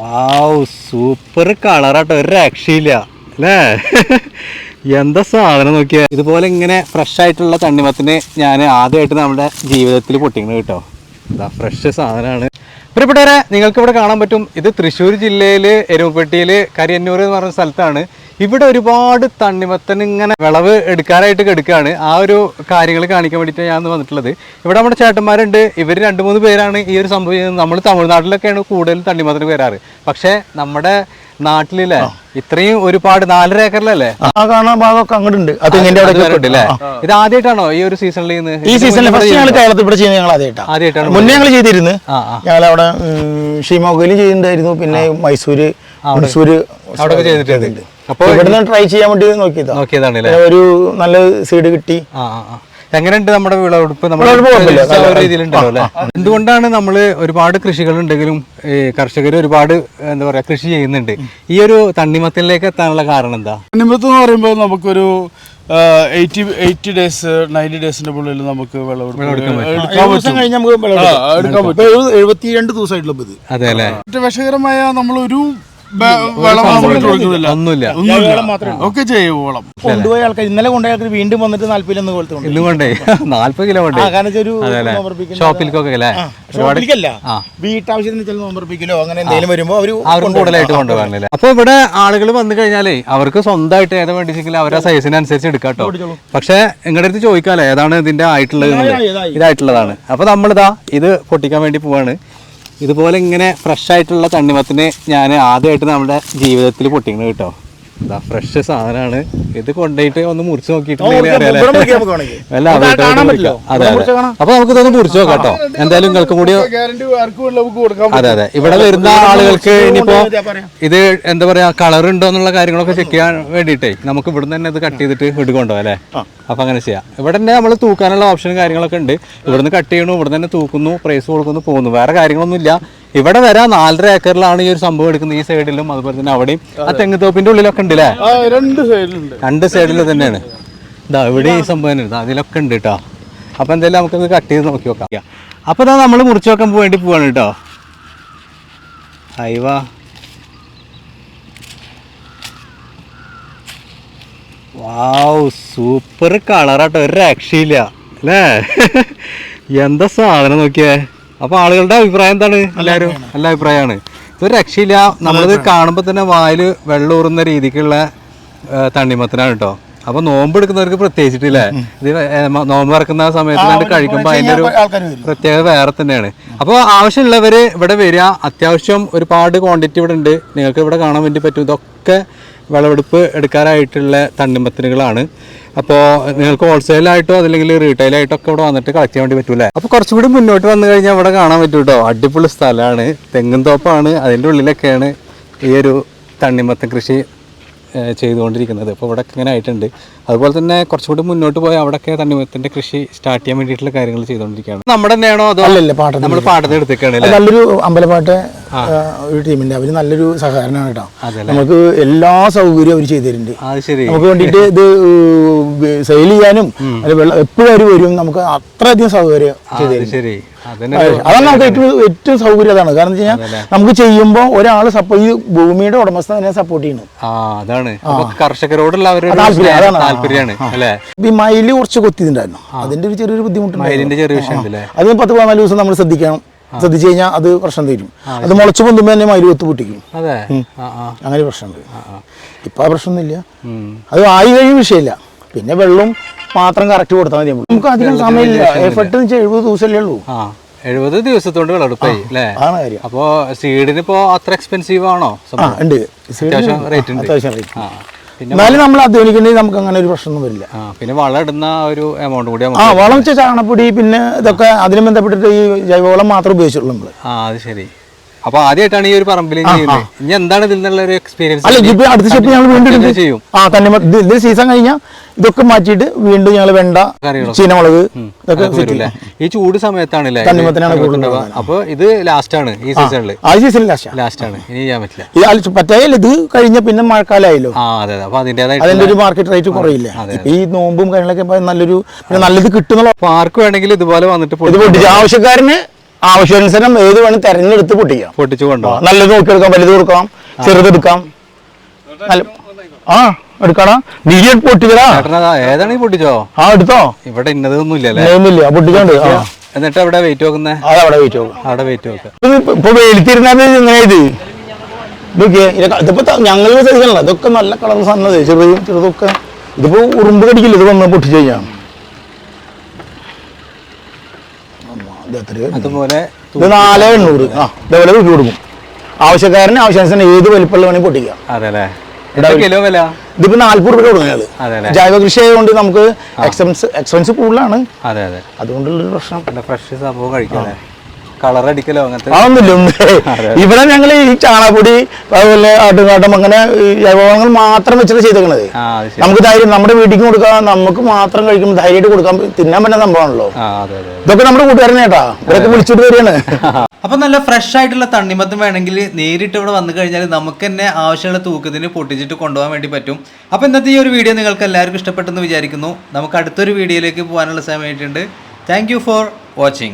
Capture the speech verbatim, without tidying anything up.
Wow super കളറാട്ടോ, ഒരു രക്ഷയില്ല അല്ലേ? എന്താ സാധനം നോക്കിയാ. ഇതുപോലെ ഇങ്ങനെ ഫ്രഷ് ആയിട്ടുള്ള തണ്ണിമത്തിന് ഞാൻ ആദ്യമായിട്ട് നമ്മുടെ ജീവിതത്തിൽ പൊട്ടിക്കുന്നത് കേട്ടോ. ഇതാ ഫ്രഷ് സാധനമാണ്. പ്രിയപ്പെട്ടവരെ, നിങ്ങൾക്ക് ഇവിടെ കാണാൻ പറ്റും, ഇത് തൃശ്ശൂർ ജില്ലയിൽ എരുമപ്പെട്ടിയിൽ കരിയന്നൂർ എന്ന് പറഞ്ഞ സ്ഥലത്താണ്. ഇവിടെ ഒരുപാട് തണ്ണിമത്തൻ ഇങ്ങനെ വിളവ് എടുക്കാനായിട്ട് കിടക്കുകയാണ്. ആ ഒരു കാര്യങ്ങൾ കാണിക്കാൻ വേണ്ടിയിട്ട് ഞാൻ വന്നിട്ടുള്ളത്. ഇവിടെ നമ്മുടെ ചേട്ടന്മാരുണ്ട്, ഇവർ രണ്ട് മൂന്ന് പേരാണ് ഈ ഒരു സംഭവം ചെയ്യുന്നത്. നമ്മൾ തമിഴ്നാട്ടിലൊക്കെയാണ് കൂടുതൽ തണ്ണിമത്തന് വരാറ്. പക്ഷേ നമ്മുടെ നാട്ടിലല്ലേ ഇത്രയും ഒരുപാട് നാലര ഏക്കറിലല്ലേ കാണാൻ ഭാഗമൊക്കെ അങ്ങോട്ടുണ്ട്. ഇത് ആദ്യമായിട്ടാണോ ഈ ഒരു സീസണിൽ ഈ സീസണിൽ കേരളത്തിൽ ഇവിടെ ചെയ്യുന്നത്? ഞങ്ങൾ ആദ്യമായിട്ടാണ് ആദ്യമായിട്ടാണ് മുന്നേ ഞങ്ങൾ ചെയ്തിരുന്നു. ഞങ്ങൾ അവിടെ ഷിമോഗയിലും ചെയ്തിട്ടുണ്ടായിരുന്നു, പിന്നെ മൈസൂര് മൈസൂര് അവിടെ ചെയ്തിട്ടുണ്ട്. അപ്പൊ ഇവിടുന്ന് ട്രൈ ചെയ്യാൻ വേണ്ടി നോക്കിയതാ നോക്കിയതാണ് ഒരു നല്ല സീഡ് കിട്ടി. എങ്ങനെയുണ്ട് നമ്മുടെ വിളവെടുപ്പ്? രീതിയിലുണ്ടല്ലോ അല്ലെ? എന്തുകൊണ്ടാണ് നമ്മൾ ഒരുപാട് കൃഷികൾ ഉണ്ടെങ്കിലും കർഷകർ ഒരുപാട് എന്താ പറയാ കൃഷി ചെയ്യുന്നുണ്ട്, ഈ ഒരു തണ്ണിമത്തനിലേക്ക് എത്താനുള്ള കാരണം എന്താ? തണ്ണിമത്തം എന്ന് പറയുമ്പോൾ നമുക്കൊരു എയ്റ്റി എയ്റ്റി ഡേയ്സ് നയൻറ്റി ഡേയ്സിന്റെ ഉള്ളിൽ നമുക്ക് എഴുപത്തിരണ്ട് ദിവസമായിട്ടുള്ള അതെ അല്ലെ? വിഷകരമായ നമ്മളൊരു ഒന്നുമില്ല, ഒക്കെ ചെയ്യും വളം കൊണ്ടുപോയ ആൾക്കാർ ഇന്നലെ കൊണ്ടുപോയ ആൾക്കാർ വീണ്ടും വന്നിട്ട് നാല്പതിലൊന്ന് കൊണ്ടുപോയി ഇന്നും കൊണ്ടേ നാല്പത് കിലോ ഷോപ്പിലേക്കൊക്കെ വീട്ടാവശ്യത്തിന് ചില നോമ്പർപ്പിക്കലോ അങ്ങനെ എന്തെങ്കിലും വരുമ്പോ അവര് കൂടുതലായിട്ട് കൊണ്ടുപോകാനല്ലേ. അപ്പൊ ഇവിടെ ആളുകൾ വന്നു കഴിഞ്ഞാലേ അവർക്ക് സ്വന്തമായിട്ട് ഏതാ വേണ്ടിച്ചെങ്കിൽ അവരുടെ സൈസിനനുസരിച്ച് എടുക്കാട്ടോ. പക്ഷെ നിങ്ങളുടെ അടുത്ത് ചോദിക്കാല്ലേ ഏതാണ് ഇതിന്റെ ആയിട്ടുള്ളത്? ഇതായിട്ടുള്ളതാണ്. അപ്പൊ നമ്മളിതാ ഇത് പൊട്ടിക്കാൻ വേണ്ടി പോവാണ്. ഇതുപോലെ ഇങ്ങനെ ഫ്രഷ് ആയിട്ടുള്ള തണ്ണിമത്തിന് ഞാൻ ആദ്യമായിട്ട് നമ്മുടെ ജീവിതത്തിൽ പൊട്ടിക്കുന്നത് കേട്ടോ. ഇതാ ഫ്രഷ് സാധനമാണ്. ഇത് കൊണ്ടുപോയിട്ട് ഒന്ന് മുറിച്ച് നോക്കിയിട്ടുണ്ടെങ്കിൽ അല്ല അതെ അതെ. അപ്പൊ നമുക്ക് ഇതൊന്ന് മുറിച്ച് നോക്കാം കേട്ടോ. എന്തായാലും നിങ്ങൾക്കും കൂടി അതെ അതെ ഇവിടെ വരുന്ന ആളുകൾക്ക് ഇനിയിപ്പോ ഇത് എന്താ പറയാ കളർ ഉണ്ടോ എന്നുള്ള കാര്യങ്ങളൊക്കെ ചെക്ക് ചെയ്യാൻ വേണ്ടിയിട്ടേ നമുക്ക് ഇവിടെ തന്നെ ഇത് കട്ട് ചെയ്തിട്ട് എടുക്കൊണ്ടോ അല്ലേ? അപ്പൊ അങ്ങനെ ചെയ്യാം. ഇവിടെ തന്നെ നമ്മൾ തൂക്കാനുള്ള ഓപ്ഷനും കാര്യങ്ങളൊക്കെ ഉണ്ട്. ഇവിടുന്ന് കട്ട് ചെയ്യണു, ഇവിടെ തന്നെ തൂക്കുന്നു, പ്രൈസ് കൊടുക്കുന്നു, പോകുന്നു. വേറെ കാര്യങ്ങളൊന്നും ഇല്ല. ഇവിടെ വരാം നാലര ഏക്കറിലാണ് ഈ ഒരു സംഭവം എടുക്കുന്നത്. ഈ സൈഡിലും അതുപോലെ തന്നെ അവിടെയും ആ തെങ്ങുതോപ്പിന്റെ ഉള്ളിലൊക്കെ ഉണ്ട് അല്ലേ? രണ്ട് സൈഡിലുണ്ട്. രണ്ട് സൈഡിൽ തന്നെയാണ്. ഇതാ ഇവിടെ ഈ സംഭവം തന്നെ അതിലൊക്കെ ഉണ്ട് കേട്ടോ. അപ്പൊ എന്തായാലും നമുക്കത് കട്ട് ചെയ്ത് നോക്കി നോക്കാം. അപ്പൊ ഇതാ നമ്മൾ മുറിച്ച് വെക്കാൻ വേണ്ടി പോവാണ് കേട്ടോ. അയവാ വാവ് സൂപ്പർ കളറാട്ടോ, ഒരു രക്ഷയില്ല അല്ലേ? എന്താ സാധനം നോക്കിയേ. അപ്പൊ ആളുകളുടെ അഭിപ്രായം എന്താണ്? എല്ലാവരും നല്ല അഭിപ്രായമാണ്. ഇതൊരു രക്ഷയില്ല. നമ്മളിത് കാണുമ്പോൾ തന്നെ വായില് വെള്ളം ഊറുന്ന രീതിക്കുള്ള തണ്ണിമത്തനാണ് കേട്ടോ. അപ്പൊ നോമ്പ് എടുക്കുന്നവർക്ക് പ്രത്യേകിച്ചിട്ടില്ലേ, ഇത് നോമ്പ് ഇറക്കുന്ന സമയത്ത് കഴിക്കുമ്പോൾ അതിന്റെ ഒരു പ്രത്യേകത വേറെ തന്നെയാണ്. അപ്പോൾ ആവശ്യമുള്ളവര് ഇവിടെ വരിക. അത്യാവശ്യം ഒരുപാട് ക്വാണ്ടിറ്റി ഇവിടെ ഉണ്ട്, നിങ്ങൾക്ക് ഇവിടെ കാണാൻ വേണ്ടി പറ്റും. ഇതൊക്കെ വിളവെടുപ്പ് എടുക്കാനായിട്ടുള്ള തണ്ണിമത്തനുകളാണ്. അപ്പോൾ നിങ്ങൾക്ക് ഹോൾസെയിലായിട്ടോ അതല്ലെങ്കിൽ റീറ്റെയിലായിട്ടോ ഒക്കെ ഇവിടെ വന്നിട്ട് കളക്ട് ചെയ്യാൻ വേണ്ടി പറ്റൂലേ. അപ്പോൾ കുറച്ചുകൂടി മുന്നോട്ട് വന്നു കഴിഞ്ഞാൽ ഇവിടെ കാണാൻ പറ്റും കേട്ടോ. അടിപൊളി സ്ഥലമാണ്, തെങ്ങും തോപ്പാണ്. അതിൻ്റെ ഉള്ളിലൊക്കെയാണ് ഈ ഒരു തണ്ണിമത്തൻ കൃഷി ചെയ്തുകൊണ്ടിരിക്കുന്നത്. അപ്പോൾ ഇവിടെ ഇങ്ങനെ ആയിട്ടുണ്ട്. അതുപോലെ തന്നെ കുറച്ചുകൂടി മുന്നോട്ട് പോയി അവിടെയൊക്കെ തണ്ണിമത്തന്റെ കൃഷി സ്റ്റാർട്ട് ചെയ്യാൻ വേണ്ടിയിട്ടുള്ള കാര്യങ്ങൾ ചെയ്തുകൊണ്ടിരിക്കുകയാണ്. നമ്മുടെ തന്നെയാണോ അതോ നമ്മൾ പാട്ടത്തിന് എടുത്തേക്കാണ്? നല്ലൊരു അമ്പലപ്പാട്ട് ഒരു ടീമിന്റെ അവര് നല്ലൊരു സഹകരണമാണ് കേട്ടോ. നമുക്ക് എല്ലാ സൗകര്യവും അവർ ചെയ്തു തരുന്നുണ്ട്. നമുക്ക് വേണ്ടിയിട്ട് ഇത് സെയിൽ ചെയ്യാനും എപ്പോഴും അവർ വരും. നമുക്ക് അത്രയധികം സൗകര്യം ചെയ്തു തരും. അതാണ് നമുക്ക് ഏറ്റവും ഏറ്റവും സൗകര്യം അതാണ്. കാരണം വെച്ച് കഴിഞ്ഞാൽ നമുക്ക് ചെയ്യുമ്പോൾ ഒരാൾ സപ്പോർട്ട് ഈ ഭൂമിയുടെ ഉടമസ്ഥ തന്നെ സപ്പോർട്ട് ചെയ്യുന്നു. കർഷകരോടുള്ള ഈ മയില് കുറച്ച് കൊത്തിയിട്ടുണ്ടായിരുന്നു, അതിന്റെ ഒരു ചെറിയൊരു ബുദ്ധിമുട്ടുണ്ട്. അത് പത്ത് പതിനാല് ദിവസം നമ്മൾ ശ്രദ്ധിക്കണം. ശ്രദ്ധിച്ചു കഴിഞ്ഞാൽ അത് പ്രശ്നം തരും. അത് മുളച്ചു പൊന്തുമ്പോ തന്നെ മയില് കൊത്തു പൊട്ടിക്കും. അങ്ങനെ പ്രശ്നമുണ്ട്. ഇപ്പൊ ആ പ്രശ്നമൊന്നുമില്ല. അത് ആയി കഴിയും വിഷയമില്ല. പിന്നെ വെള്ളം മാത്രം കറക്റ്റ് കൊടുത്താൽ മതി. നമുക്ക് അധികം സമയമില്ല. എഫർട്ട് വെച്ചാൽ എഴുപത് ദിവസമല്ലേ ഉള്ളൂ. എഴുപത് ദിവസത്തോണ്ട് വിളവെടുപ്പായി അല്ലേ? അപ്പൊ സീഡിന് ഇപ്പോ അത്ര എക്സ്പെൻസീവ് ആണോ? അത്യാവശ്യം റേറ്റ് ഉണ്ട്. അത്യാവശ്യം റേറ്റ്. എന്നാലും നമ്മൾ അധ്വാനിക്കണമെങ്കിൽ നമുക്ക് അങ്ങനെ ഒരു പ്രശ്നമൊന്നും വരില്ല. പിന്നെ വളം ഇടുന്ന ഒരു എമൗണ്ട് കൂടി ആ വളം വെച്ചാൽ ചാണപ്പൊടി പിന്നെ ഇതൊക്കെ അതിന് ബന്ധപ്പെട്ടിട്ട് ഈ ജൈവവളം മാത്രം ഉപയോഗിച്ചുള്ളൂ നമ്മള്. ആ അത് ശരി. അപ്പൊ ആദ്യമായിട്ടാണ് ഈ ഒരു പറമ്പിൽ ചെയ്യുന്നത്. ഇനി എന്താണ് ഇതിൽ നിന്നുള്ള ഒരു എക്സ്പീരിയൻസ്? അല്ല ഇപ്പൊ അടുത്ത സ്റ്റെപ്പ് ഞങ്ങൾ വീണ്ടും ചെയ്യും. ആ തന്നെ ഇത് സീസൺ കഴിഞ്ഞാൽ ഇതൊക്കെ മാറ്റിയിട്ട് വീണ്ടും ഞങ്ങൾ വെണ്ട, ചീനമുളക് ഇതൊക്കെ ഈ ചൂട് സമയത്താണ് അപ്പൊ ഇത് ലാസ്റ്റ് ആണ് ഈ സീസണിൽ. ആ സീസൺ ലാസ്റ്റ് ലാസ്റ്റ് ആണ്. ഇനി ചെയ്യാൻ പറ്റില്ല. പറ്റായില്ല. ഇത് കഴിഞ്ഞ പിന്നെ മഴക്കാലമായല്ലോ. ആ അതെ. അപ്പൊ അതിന്റേതായ അതിന്റെ ഒരു മാർക്കറ്റ് റേറ്റ് കുറയില്ല. ഈ നോമ്പും കാര്യങ്ങളൊക്കെ നല്ലൊരു നല്ലത് കിട്ടുന്നുള്ള പാർക്ക് വേണമെങ്കിൽ ഇതുപോലെ വന്നിട്ട് ആവശ്യക്കാരന് ആവശ്യാനുസരണം ഏത് വേണം തെരഞ്ഞെടുത്ത് പൊട്ടിക്കാം. പൊട്ടിച്ചു കൊണ്ടുപോകാം. നല്ലത് നോക്കിയെടുക്കാം, വലുത് കൊടുക്കാം, ചെറുതെടുക്കാം. നല്ല ആ എടുക്കടാ, നീ പൊട്ടിക്കടാ. ഏതാണ് ഈ പൊട്ടിച്ചോ? ആ എടുത്തോ. ഇവിടെ ഇന്നതൊന്നും ഇല്ലല്ലേ? ഒന്നുമില്ല, പൊട്ടിച്ചോണ്ട്. എന്നിട്ട് അവിടെ വെയിറ്റ് നോക്കുന്നേ? അത് അവിടെ വെയിറ്റ് നോക്കാം. അവിടെ വെയിറ്റ് നോക്കാം. ഇപ്പൊ വെയിലത്തിരുന്നത് ഇങ്ങനെ ഇത് ഇതൊക്കെ ഇതിപ്പോ ഞങ്ങൾ സഹിക്കണല്ലോ. ഇതൊക്കെ നല്ല കളർ സാധനം, ചെറുതും ചെറുതൊക്കെ. ഇതിപ്പോ ഉറുമ്പ് കടിക്കില്ല ഇത് വന്ന് പൊട്ടിച്ചു കഴിഞ്ഞാൽ. അതുപോലെ ഇത് നാല് എണ്ണൂറ് ആ ഇതേപോലെ തൂക്കി കൊടുക്കും. ആവശ്യക്കാരന് ആവശ്യാനുസരണം ഏത് വലിപ്പമുള്ള വേണമെങ്കിൽ പൊട്ടിക്കാം. അതെല്ലേ? കിലോ വില ഇതിപ്പോ നാല്പത് രൂപ കൊടുക്കുന്നത്. ജൈവ കൃഷി ആയതുകൊണ്ട് നമുക്ക് എക്സ്പെൻസ് എക്സ്പെൻസ് കൂടുതലാണ്. അതെ അതെ, അതുകൊണ്ടുള്ളൊരു പ്രശ്നം. ഫ്രഷ് സംഭവം കഴിക്കാം. കളർ അടിക്കലോ അങ്ങനത്തെ അതൊന്നുമില്ല. ഇവിടെ ഞങ്ങൾ ഈ ചാണകപ്പൊടി അതുപോലെ ആട്ടുകാട്ടം അങ്ങനെ ജൈവവളങ്ങൾ മാത്രം വെച്ചിട്ട് ചെയ്തേക്കണത്. നമുക്ക് ധൈര്യം നമ്മുടെ വീട്ടിൽ കൊടുക്കാം, നമുക്ക് മാത്രം കഴിക്കുമ്പോൾ ധൈര്യമായിട്ട് കൊടുക്കാൻ തിന്നാൻ പറ്റുന്ന സംഭവമാണല്ലോ. ഇതൊക്കെ നമ്മുടെ കൂട്ടുകാരനെ കേട്ടാ, ഇവരൊക്കെ വിളിച്ചിട്ട് വരികയാണ്. അപ്പൊ നല്ല ഫ്രഷ് ആയിട്ടുള്ള തണ്ണിമത്തം വേണമെങ്കിൽ നേരിട്ട് ഇവിടെ വന്നു കഴിഞ്ഞാൽ നമുക്ക് തന്നെ ആവശ്യമുള്ള തൂക്കത്തിന് പൊട്ടിച്ചിട്ട് കൊണ്ടുപോകാൻ വേണ്ടി പറ്റും. അപ്പൊ ഇന്നത്തെ ഈ ഒരു വീഡിയോ നിങ്ങൾക്ക് എല്ലാവർക്കും ഇഷ്ടപ്പെട്ടെന്ന് വിചാരിക്കുന്നു. നമുക്ക് അടുത്തൊരു വീഡിയോയിലേക്ക് പോകാനുള്ള സമയമായിട്ടുണ്ട്. Thank you for watching.